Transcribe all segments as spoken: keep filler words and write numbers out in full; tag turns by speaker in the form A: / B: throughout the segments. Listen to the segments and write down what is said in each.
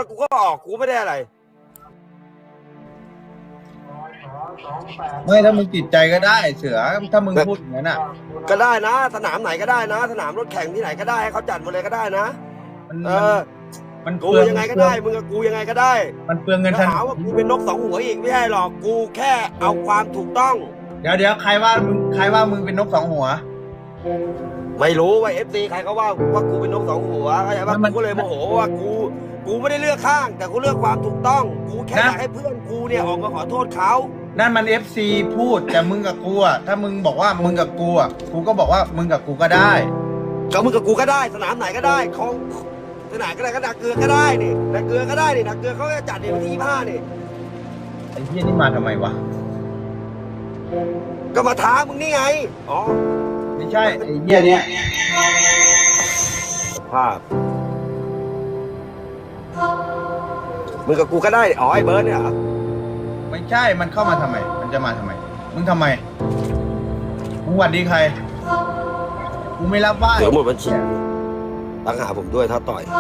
A: กูก็ออกกูไม่ได้อะไร
B: ไม่ถ้ามึงติดใจก็ได้เสือถ้ามึงพูดอย่างนั้นอ่ะ
A: ก็ได้นะสนามไหนก็ได้นะสนามรถแข่งที่ไหนก็ได้ให้เขาจัดมาเลยก็ได้นะเออ
B: มัน
A: กูยังไงก็ได้มึงกับกูยังไงก็ได้
B: มันเปลืองเงิน
A: ถ้าหาว่ากูเป็นนกสองหัวอีกไม่ใช่หรอกกูแค่เอาความถูกต้อง
B: เดี๋ยวเดี๋ยวใครว่ามึงใครว่ามึงเป็นนกสองหัว
A: ไม่รู้ว่าเอฟซีใครเขาว่าว่ากูเป็นนกสองหัวเข้าใจป่ะกูก็เลยโมโหว่ากูกูไม่ได้เลือกข้างแต่กูเลือกความถูกต้องกูแค่อยากให้เพื่อนกูเนี่ยออกมาขอโทษเขา
B: นั่นมัน เอฟ ซี พูดแต่มึงกับกูอ่ะถ้ามึงบอกว่ามึงกับกูอ่ะกูก็บอกว่ามึงกับกูก็ได้
A: ก็มึงกับกูก็ได้สนามไหนก็ได้ของสนามก็ได้ก็ดักเกลือก็ได้นี่ดักเกลือก็ได้นี่ดักเกลือเขาจะจัดในวันที่ยี่สิบห้านี่
B: ไอ้เหี้ยนี่มาทำไมวะ
A: ก็มาท้ามึงนี่ไงอ๋อ
B: ไม่ใช่ไอ้เหี้ยเนี้ย
A: ภาพมึงกับกูก็ได้อ๋อไอ้เบิร์ดเนี่ยเหรอ
B: ไม่ใช่มันเข้ามาทำไมมันจะมาทำไมมึงทำไมมึงหวัดดีใครกูไม่รับว่า
A: เดี๋ยวหมดบัญชีตั้งหาผมด้วยถ้าต่อย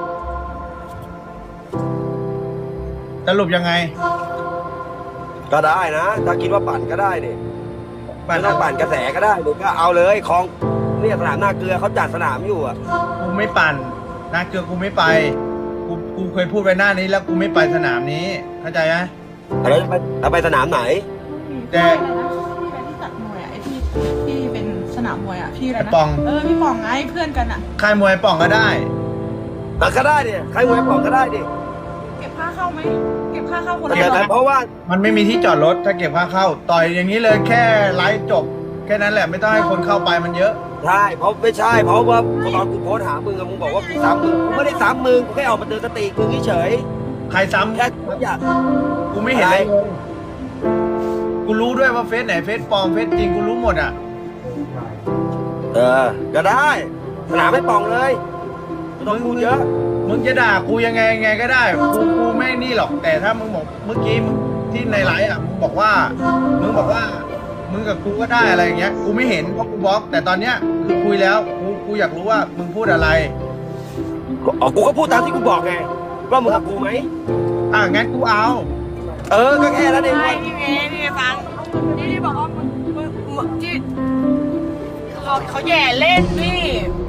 B: สรุปยังไง
A: ก็ได้นะถ้าคิดว่าปั่นก็ได้เนี่ยไม่ต้องปั่นกระแสก็ได้หรือก็เอาเลยของเนี่ยสนามหน้าเกลือเขาจัดสนามอยู่อ่ะ
B: กูไม่ปั่นหน้าเกลือกูไม่ไปกูกูเคยพูดไปหน้านี้แล้วกูไม่ไปสนามนี้เข้าใจไหม
A: แล้วจะไปจะไปสนามไหน
C: แต่พี่อะไรที่จัดมวยอ่ะไอที่ที่เป็นสนามมวยอ่ะพี่อะไรนะ
B: ปอง
C: เออพี่ปองไงเพื่อนกันอ่ะ
B: ค่ายมวยปองก็ได้
A: แต่ก็ได้ดิค่ายมวยปองก็ได้ดิ
C: เก็บค่าเข้าไหมเก็บค่าเข้าคนละ
A: แต่เพราะว่า
B: มันไม่มีที่จอดรถถ้าเก็บค่าเข้าต่อยอย่างนี้เลยแค่ไลฟ์จบแค่นั้นแหละไม่ต้องให้คนเข้าไปมันเยอะ
A: ใช่เพราะไม่ใช่เพราะว่าตอนกูโพสหามึงมึงบอกว่ากูซ้ำมึงกูไม่ได้ซ้ำมึงกูแค่ออกมาเตือนสติมึงเฉย
B: ใครซ้ำ
A: แค่อยาก
B: กูไม่เห็นเลยกูรู้ด้วยว่าเฟซไหนเฟซปลอมเฟซจริงกูรู้หมดอ่ะ
A: เออก็ได้สนามไม่ปองเลยไม่ต้องพูดเยอะ
B: มึงจะด่ากูยังไงยังไงก็ได้กูกูไม่นี่หรอกแต่ถ้ามึงบอกเมื่อกี้มึงที่ในไลฟ์อ่ะมึงบอกว่ามึงบอกว่ามึงกับกูก็ได้อะไรอย่างเงี้ยกูไม่เห็นเพราะกูบล็อกแต่ตอนเนี้ยคือคุยแล้วกูกูอยากรู้ว่ามึงพูดอะไร
A: อ๋อกูก็พูดตามที่กูบอกไงว่ามึงกับกูไหม
B: อ่ะงั้นกูเอา
A: เออก็แค่นั้นเอง
C: ไอ้นี่ไงนี่ฟังนี่ที่บอกว่ามึงมึงมึงที่เขาเขาแย่เล่นนี่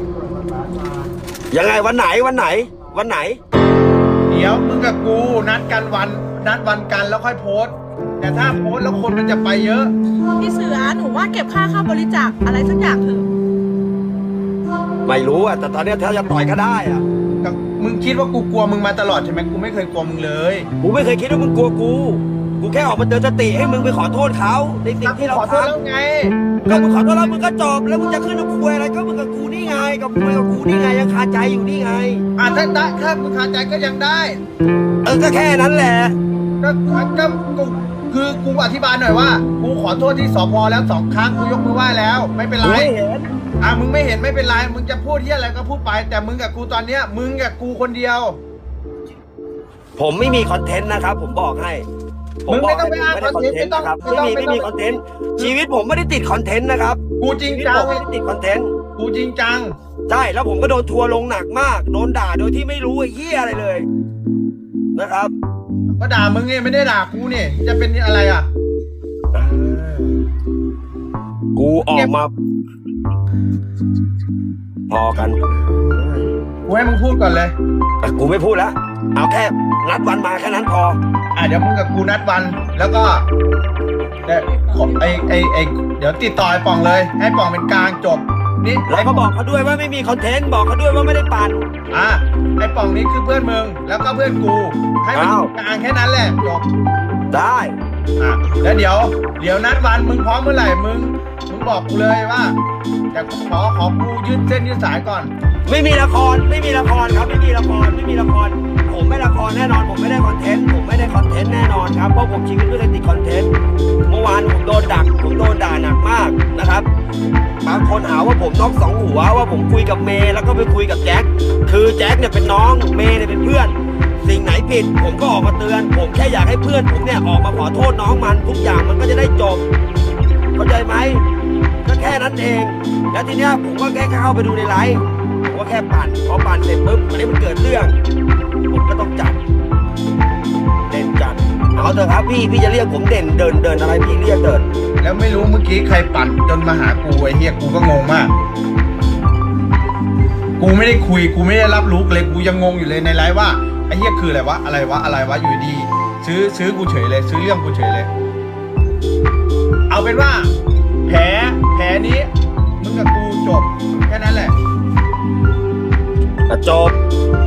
A: ยังไงวันไหนวันไหนวันไหน
B: เดี๋ยวมึงกับกูนัดกันวันนัดวันกันแล้วค่อยโพสแต่ถ้าโพสแล้วคนมันจะไปเยอะ
C: พี่เสือหนูว่าเก็บค่าเข้าบริจาคอะไรสักอย่างเถอะ
A: ไม่รู้อ่ะแต่ตอนนี้ถ้าจะต่อยก็ได้อ่ะ
B: มึงคิดว่ากูกลัวมึงมาตลอดใช่ไหมกูไม่เคยกลัวมึงเลย
A: กูไม่เคยคิดว่ามึงกลัวกูกูแค่ออกมาเตือนสติให้มึงไปขอโทษเขาในสิ่งที่เรา
B: ขอโทษแล้วไง
A: ก็มึงขอโทษแล้วมึงก็จบแล้วมึงจะขึ้นมาคุยอะไรก็มึงกับกูนี่ไงกับคุยกับกูนี่ไงยังคาใจอยู่นี่ไง
B: อ่ะถ้าได้ถ้ามึงคาใจก็ยังได้
A: เออก็แค่นั้นแหละ
B: ก็ก็กูคือกูอธิบายหน่อยว่ากูขอโทษที่สพแล้วสองครั้งกูยกมือไหว้แล้วไม่เป็นไรอ่ะมึงไม่เห็นไม่เป็นไรมึงจะพูดที่อะไรก็พูดไปแต่มึงกับกูตอนเนี้ยมึงกับกูคนเดียว
A: ผมไม่มีคอนเทนต์นะครับผมบอกให้
B: มึงไม่ต้องไปอ้างคอนเทนต์ไม่ต้อง
A: ไม่มีไม่มีคอนเทนต์ชีวิตผมไม่ได้ติดคอนเทนต์นะครับ
B: กูจริงจัง
A: ไม่ได้ติดคอนเทนต์
B: กูจริงจัง
A: ใช่แล้วผมก็โดนทัวร์ลงหนักมากโดนด่าโดยที่ไม่รู้ไอ้เหี้ยอะไรเลยนะครับ
B: ก็ด่ามึงไงไม่ได้ด่ากูนี่จะเป็นอะไรอ่ะ
A: กูออกมาพอกัน
B: กูให้มึงพูดก่อนเลย
A: แต่กูไม่พูดแล้วเอาแค่นัดวันมาแค่นั้นพอ
B: อ่ะเดี๋ยวมึงกับกูนัดวันแล้วก็เดี๋ยวไอไอไอเดี๋ยวติดต่อไอ้ป่องเลยให้ป่องเป็นกลางจบนี่
A: แล้วก็บอกเขาด้วยว่าไม่มีคอนเทนต์บอกเขาด้วยว่าไม่ได้ปั่น
B: อ่ะไอ้ป่องนี้คือเพื่อนมึงแล้วก็เพื่อนกูให้มันกลางแค่นั้นแหละจบ
A: ได้
B: อ่ะแล้วเดี๋ยวเดี๋ยวนัดวันมึงพร้อมเมื่อไหร่มึงมึงบอกกูเลยว่าแต่ขอขอกูยืดเส้นยืดสายก่อน
A: ไม่มีละครไม่มีละครครับไม่มีละครไม่มีละครผมไม่ละครแน่นอนผมไม่ได้คอนเทนต์ผมไม่ได้คอนเทนต์แน่นอนครับเพราะผมชีวิตไม่ได้ติดคอนเทนต์เมื่อวานผมโดนดักผมโดนด่าหนักมากนะครับบางคนหาว่าผมนอกสองหัวว่าผมคุยกับเมย์แล้วก็ไปคุยกับแจ็คคือแจ็คเนี่ยเป็นน้องเมย์เนี่ยเป็นเพื่อนสิ่งไหนผิดผมก็ออกมาเตือนผมแค่อยากให้เพื่อนผมเนี่ยออกมาขอโทษน้องมันทุกอย่างมันก็จะได้จบเข้าใจไหมก็แค่นั้นเองแล้วทีเนี้ยผมก็แค่เข้าไปดูในไลฟ์ผมก็แค่ปั่นพอปั่นเสร็จปุ๊บวันนี้มันเกิดเรื่องผมก็ต้องจัดเถอะครับพี่พี่จะเรียกผมเด่นเดินเดินอะไรพี่เรียกเดิน
B: แล้วไม่รู้เมื่อกี้ใครปั่นจนมาหากูไอ้เฮียกูก็งงมาก กูไม่ได้คุยกูไม่ได้รับรู้เลยกูยังงงอยู่เลยในไลฟ์ว่าไอ้เฮียคืออะไรวะอะไรวะอะไรวะอยู่ดีซื้อซื้อกูเฉยเลย ซื้อเรื่องกูเฉยเลย เอาเป็นว่า แผลแผลนี้มึงกับกูจบแค่นั้นแหละ
A: จบ